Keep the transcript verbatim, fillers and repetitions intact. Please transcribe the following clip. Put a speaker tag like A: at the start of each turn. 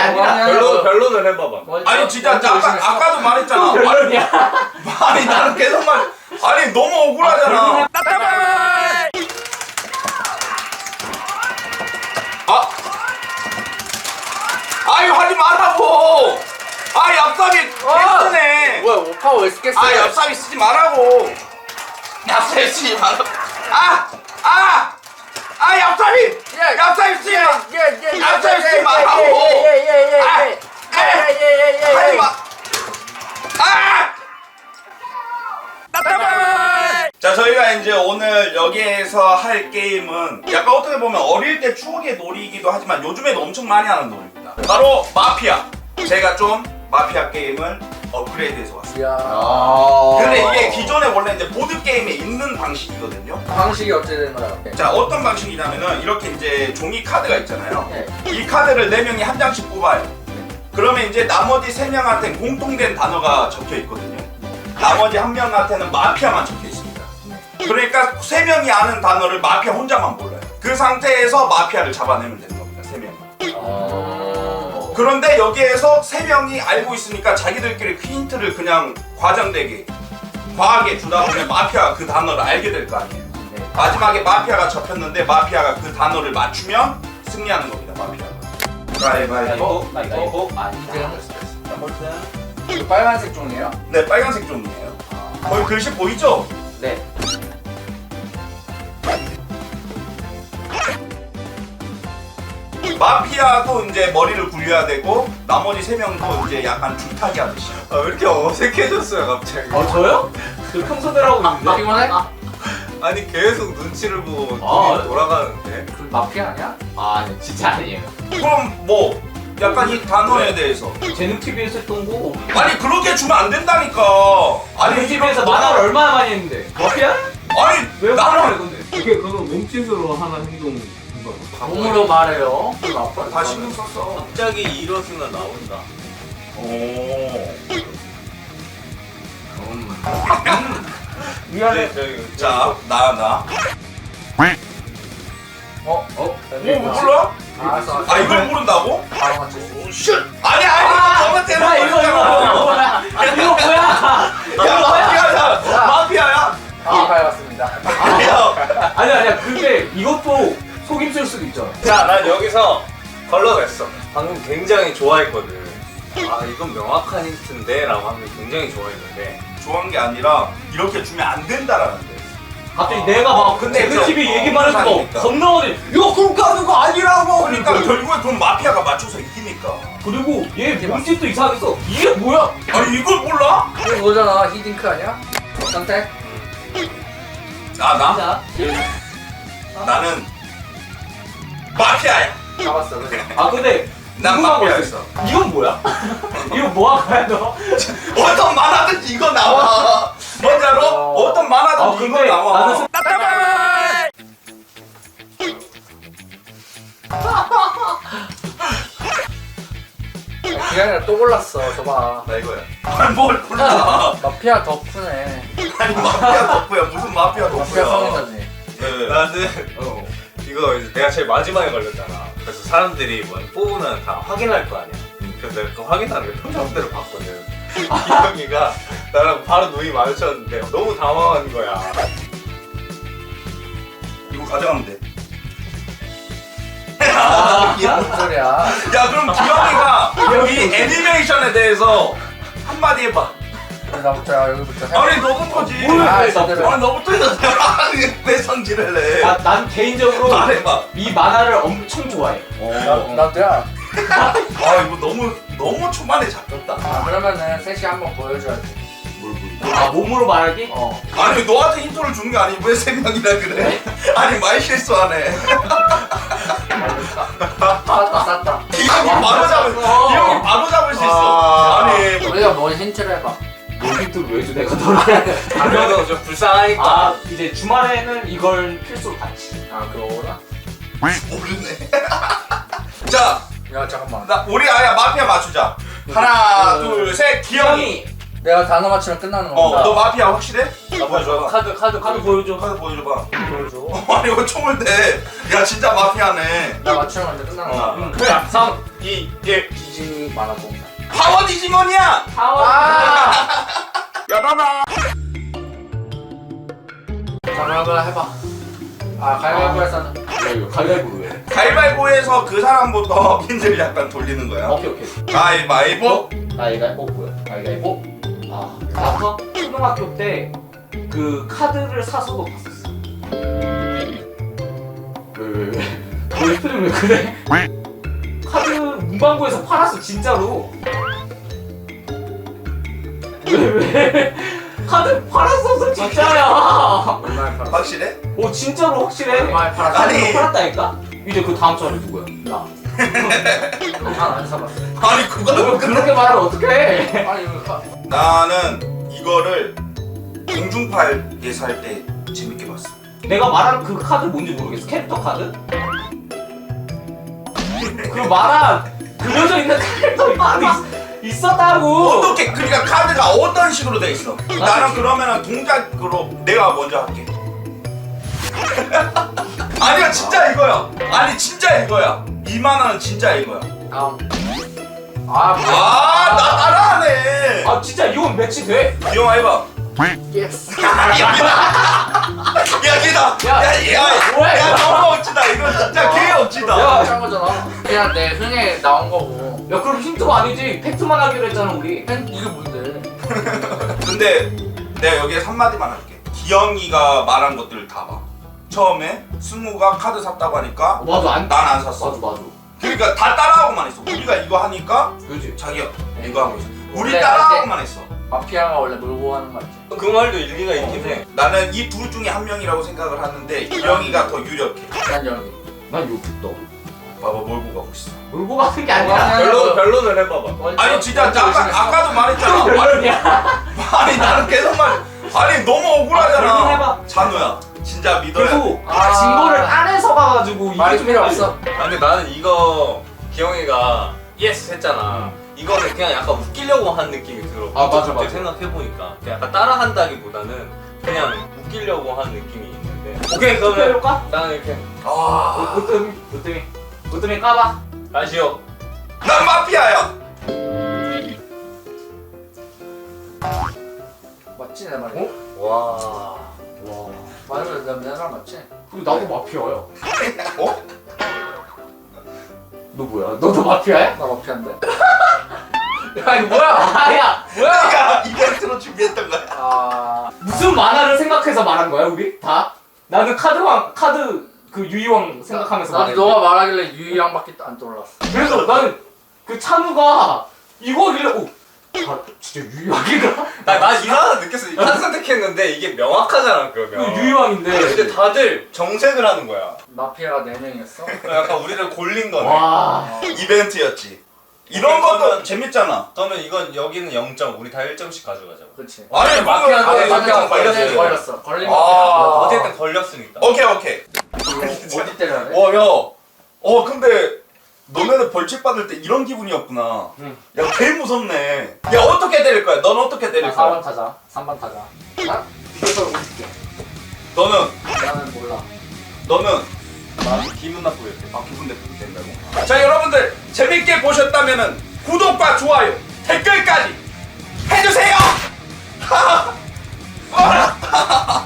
A: 아니라
B: 별로 별로는 해봐봐.
C: 아니 진짜 아까 아까도 말했잖아.
A: 별로냐?
C: 아니 나는 계속 말. 아니 너무 억울하잖아. 아, 아유 하지 말라고. 아 얍삽이 개쓰네.
A: 뭐야 오파 왜 쓰겠어?
C: 아 얍삽이 쓰지 말라고. 얍삽이 쓰지 말라고. 아, 아, 아 얍삽이. 얍삽이 쓰지 마. 얍삽이 쓰지 말라고.
A: 예예예예예예예예예예예예
C: 하지 마. 아! 자 저희가 이제 오늘 여기에서 할 게임은 약간 어떻게 보면 어릴 때 추억의 놀이이기도 하지만 요즘에도 엄청 많이 하는 놀이입니다. 바로 마피아. 제가 좀 마피아 게임을 업그레이드해서 왔습니다.
A: 이야.
C: 근데 이게 기존에 원래 이제 보드 게임에 있는 방식이거든요.
A: 방식이 어찌 되는 거야?
C: 자 어떤 방식이냐면은 이렇게 이제 종이 카드가 있잖아요.
A: 네.
C: 이 카드를 네 명이 한 장씩 뽑아요. 그러면 이제 나머지 세 명한테는 공통된 단어가 적혀 있거든요. 나머지 한 명한테는 마피아만 적혀 있습니다. 그러니까 세 명이 아는 단어를 마피아 혼자만 몰라요. 그 상태에서 마피아를 잡아내면 되는 겁니다. 세 명이. 그런데 여기에서 세 명이 알고 있으니까 자기들끼리 힌트를 그냥 과장되게 과하게 주다 보면 마피아가 그 단어를 알게 될 거 아니에요. 마지막에 마피아가 접혔는데 마피아가 그 단어를 맞추면 승리하는 겁니다. 마피아가. 가위바위보.
A: 가위바위보. 아니다. 이거 빨간색 종이에요?
C: 네, 빨간색 종이에요. 거기 글씨 보이죠?
A: 네.
C: 마피아도 이제 머리를 굴려야 되고 나머지 세 명도 이제 약간 줄타기 하듯이.
B: 아, 왜 이렇게 어색해졌어요 갑자기?
D: 어 저요? 저 평소대로 하고 있는데.
A: 피곤해?
B: 아니 계속 눈치를 보고
D: 아,
B: 눈이 돌아가는데.
A: 그 마피아 아니야?
D: 아 네, 진짜 아니에요.
C: 그럼 뭐 약간 이 단어에 대해서
D: 재능 티비에서 했던 거.
C: 아니 그렇게 주면 안 된다니까.
D: 아니
C: 아니
D: 티비에서 만화를 얼마나 많이 했는데. 마피아?
C: 아니
D: 왜
C: 나는
D: 말을 건데?
E: 이게 그건 몸짓으로 하는 행동.
A: 몸으로 말해요.
C: 다 신경 썼어.
B: 갑자기 일어서나 나온다.
C: 오.
A: 미안해.
B: 네, 저기
C: 자, 나 나.
A: 어? 어?
C: 뭐 몰라?
A: 알았어.
C: 아 이걸 모른다고?
A: 바로 맞췄어.
C: 슛! 아니 아니 저한테
D: 야 이거 이거 이거 뭐야? 이거 뭐야?
C: 야 마피아야! 마피아야!
A: 아, 밝았습니다.
C: 야,
D: 아니 아니야. 근데 이것도 속임수일 수도 있잖아.
B: 자, 난 여기서 걸러냈어. 방금 굉장히 좋아했거든. 아, 이건 명확한 힌트인데? 라고 하면 굉장히 좋아했는데.
C: 좋아한 게 아니라 이렇게 주면 안 된다라는 데.
D: 갑자기
C: 아,
D: 내가 막
C: 근데
D: 재능
C: 저-
D: 티비
C: 어,
D: 얘기만 해서
C: 그러니까.
D: 겁나거든. 이거 그렇게 하는 거 아니라고.
C: 그러니까 결국에 그럼 마피아가 맞춰서 이기니까.
D: 그리고 얘 몸짓도 이상했어. 이게 뭐야?
C: 아니 이걸 몰라?
A: 이거 뭐잖아. 히딩크 아니야? 선택?
C: 아 나?
D: 자,
C: 나는 마피아야.
A: 잡았어. 그래.
D: 아 근데
C: 난
D: 궁금한 거
C: 마피아였어.
D: 있어. 이건 뭐야? 이거 뭐 할 거야 너?
C: 어떤 만화든지 이거 나와. 뭔지 알아? 어떤
D: 아
C: 만화든지 이거
D: 근데
C: 나와.
D: 나는 스-
A: 그게 아니라 또 골랐어. 저봐.
C: 나 이거야. 아니 뭘 골라?
A: 마피아 덕후네.
C: 아니 마피아 덕후야. 무슨 마피아
A: 마피아
C: 덕후야?
A: 성인자지.
C: 네.
B: 나는
D: 어.
B: 이거 이제 내가 제일 마지막에 걸렸잖아. 그래서 사람들이 뭐 뽑으면 다 확인할 거 아니야. 그래서 내가 그 확인하는 게 표정대로 봤거든. 기영이가 나랑 바로 눈이 마주쳤는데 너무 당황한 거야.
C: 이거 가져가면 돼.
A: 이게 뭔 소리야?
C: 야 그럼 기영이가 이 애니메이션에 대해서 한마디 해봐.
A: 나부터 야, 여기부터 해.
C: 아니 너부터지.
D: 뭘
A: 아,
D: 해,
A: 제대로.
C: 아니 너부터 해서 왜 성질을 내?
D: 나, 난 개인적으로
C: 말해봐.
D: 이 만화를 엄청 좋아해.
A: 나, 나도야.
C: 아 이거 너무 너무 초반에 잡혔다.
A: 아, 그러면은 셋이 한번 보여줘야지.
C: 뭘 보여?
D: 아 몸으로 말하기?
A: 어.
C: 아니 너한테 힌트를 준 게 아니 왜 세 명이라 그래? 아니 말 실수하네.
A: 쌌다, 쌌다.
C: 기영이 바로 잡을 기영이 바로 잡을 수 있어.
B: 아.
C: 아니
A: 우리가 뭔 힌트를 해봐.
D: 놀이도 왜 줘? 내가 너를.
B: 그래도 좀 불쌍하니까.
D: 아 이제 주말에는 이걸 필수로 같이.
A: 아, 그거구나.
C: 모르네. 자,
A: 야, 잠깐만.
C: 나 우리 아야 마피아 맞추자. 하나, 둘, 셋. 기영이.
D: 기영이.
A: 내가 단어 맞추면 끝나는
C: 어,
A: 건가?
C: 너 마피아 확실해?
B: 나 보여줘. 카드 카드
D: 카드 보여줘.
C: 카드 보여줘봐.
B: 보여줘.
C: 아니 이거 총을 대. 야 진짜 마피아네.
A: 나 맞추면 이제 끝나는 거야.
B: 어. 그래. 삼, 이, 일.
A: 디즈니 만화봉.
C: 파워 디지몬이야.
D: 파워.
A: 아!
C: 야나나.
A: 가위바위보 해봐. 아 가위바위보에서는
D: 야 이거 가위바위보 왜?
C: 가위바위보에서 그 사람부터 힌트를 약간 돌리는 거야.
D: 오케이 오케이.
C: 가위바위보.
D: 가위바위보 뭐야? 가위바위보. 아 나서 초등학교 때 그 카드를 사서도 봤었어. 왜왜 왜? 너희 표정 왜 그래? 카드 문방구에서 팔았어 진짜로. 왜 왜? 카드 팔았었어 진짜야.
A: 얼마에 팔았어?
C: 확실해?
D: 오 진짜로 확실해.
A: 얼마에 팔았어?
C: 아니.
D: 카드 팔았다니까? 이제 그 다음 차례 누구야?
A: 나. 난안 사봤어.
C: 아니 그거
D: 너 그렇게 말하면 어떡해?
A: 아니 이거 가-
C: 나는 이거를 공중파에 살 때 재밌게 봤어.
D: 내가 말한 그 카드 뭔지 모르겠어. 캐릭터 카드? 그 말한 그려져 있는 캐릭터 카드 있, 있었다고.
C: 어떻게 그러니까 카드가 어떤 식으로 돼 있어? 나는 그러면은 동작으로 내가 먼저 할게. 아니야 진짜 이거야. 아니 진짜 이거야. 이만 원은 진짜 이거야.
A: 다음. 아 뭐야?
C: 아 나 따라하네.
D: 아 진짜 이건 매치 돼?
C: 기영아 해봐.
A: 예스.
C: 여기다.
D: 야,
C: 야야
D: 뭐야,
C: 야
D: 이거?
C: 너무 억지다. 이거 진짜 개 억지다.
D: 야.
A: 짠 거잖아. 그냥 내 흥에 나온 거고.
D: 야 그럼 힌트가 아니지. 팩트만 하기로 했잖아 우리.
A: 팬 이게 뭔데?
C: 근데 내가 여기에 한 마디만 할게. 기영이가 말한 것들을 다 봐. 처음에 승우가 카드 샀다고 하니까
D: 어, 맞아 안.
C: 난 안 샀어.
D: 맞아 맞아.
C: 그러니까 다 따라하고만 있어. 우리가 이거 하니까
D: 그지.
C: 자기가 이거 하고 있어. 우리
A: 원래
C: 따라하고만 했어.
A: 마피아가 원래 몰고 하는 말이지.
B: 그 말도 일리가 있긴 해.
C: 나는 이 둘 중에 한 명이라고 생각을 하는데 기영이가 더 유력해.
A: 난 여기.
D: 난 여기 너.
C: 봐봐 몰고 가고 있어.
D: 울고 가는 게 아니라.
B: 별로 별로는 해봐봐.
C: 아니 진짜 나 아까, 아까도 말했잖아.
D: 별로냐?
C: 아니 나는 계속 말. 아니 너무
D: 별로
C: 억울하잖아.
D: 해봐.
C: 찬우야 진짜 믿어야 돼.
D: 그리고
A: 아.
D: 증거를 안에서 가가지고
A: 말이
D: 좀
A: 필요
D: 헷갈려.
A: 없어.
B: 아, 근데 나는 이거 기영이가 예스 했잖아. 이거는 그냥 약간 웃기려고 한 느낌이 들어.
D: 아, 맞아,
B: 갑자기
D: 맞아.
B: 생각해보니까 그냥 약간 따라한다기보다는 그냥 웃기려고 한 느낌이 있는데. 오케이 그러면
D: 해볼까?
B: 나는 이렇게
C: 아,
D: 으뜸이 으뜸이 으뜸이 까봐.
B: 다시요.
C: 난 마피아야.
A: 맞지 내 말이?
D: 어?
B: 와.
D: 와.
A: 맞아 내 말 맞지?
D: 그리고 나도 마피아야.
C: 어?
D: 너 뭐야? 너도 마피아야?
A: 나 마피아인데.
D: 야 이거 뭐야? 아야 뭐야?
C: 내가 이벤트로 준비했던 거야.
A: 아
D: 무슨 만화를 생각해서 말한 거야 우리? 다? 나는 카드왕 카드 그 유이왕 생각하면서
A: 나도
D: 말했는데.
A: 너가 말하길래 유이양밖에 안 떠올랐어.
D: 그래서 나는 그 찬우가 이거길래 오, 아 진짜 유이왕인가?
B: 나나 이상하다 느꼈어. 한 선택했는데 이게 명확하잖아 그러면.
D: 그 유이왕인데.
B: 근데 다들 정색을 하는 거야.
A: 마피아가 네 명이었어?
B: 약간 우리를 골린 거네.
D: 와.
C: 이벤트였지. 이런 것도 재밌잖아.
B: 저는 이건 여기는 영 점, 우리 다 일 점씩 가져가자.
A: 그렇지.
C: 아니
B: 마피아도
C: 마피아
B: 마피아
C: 마피아
B: 걸렸어요.
C: 걸렸어.
A: 걸렸어. 걸린
C: 아.
A: 마피아.
B: 어쨌든 걸렸으니까.
C: 오케이 오케이.
A: 어디 때려야 돼?
C: 어 야. 어 근데 너네는 벌칙 받을 때 이런 기분이었구나.
D: 응.
C: 야 개 무섭네. 야 어떻게 때릴 거야? 넌 어떻게 때릴
A: 사 번
C: 거야?
A: 타자. 삼 번 타자. 나? 이걸 올릴게.
C: 너는
A: 나는 몰라.
C: 너는
B: 나 기분 나쁘게 이렇게.
C: 아 기분 나쁘게 된다고. 자 여러분들 재밌게 보셨다면은 구독과 좋아요 댓글까지 해주세요.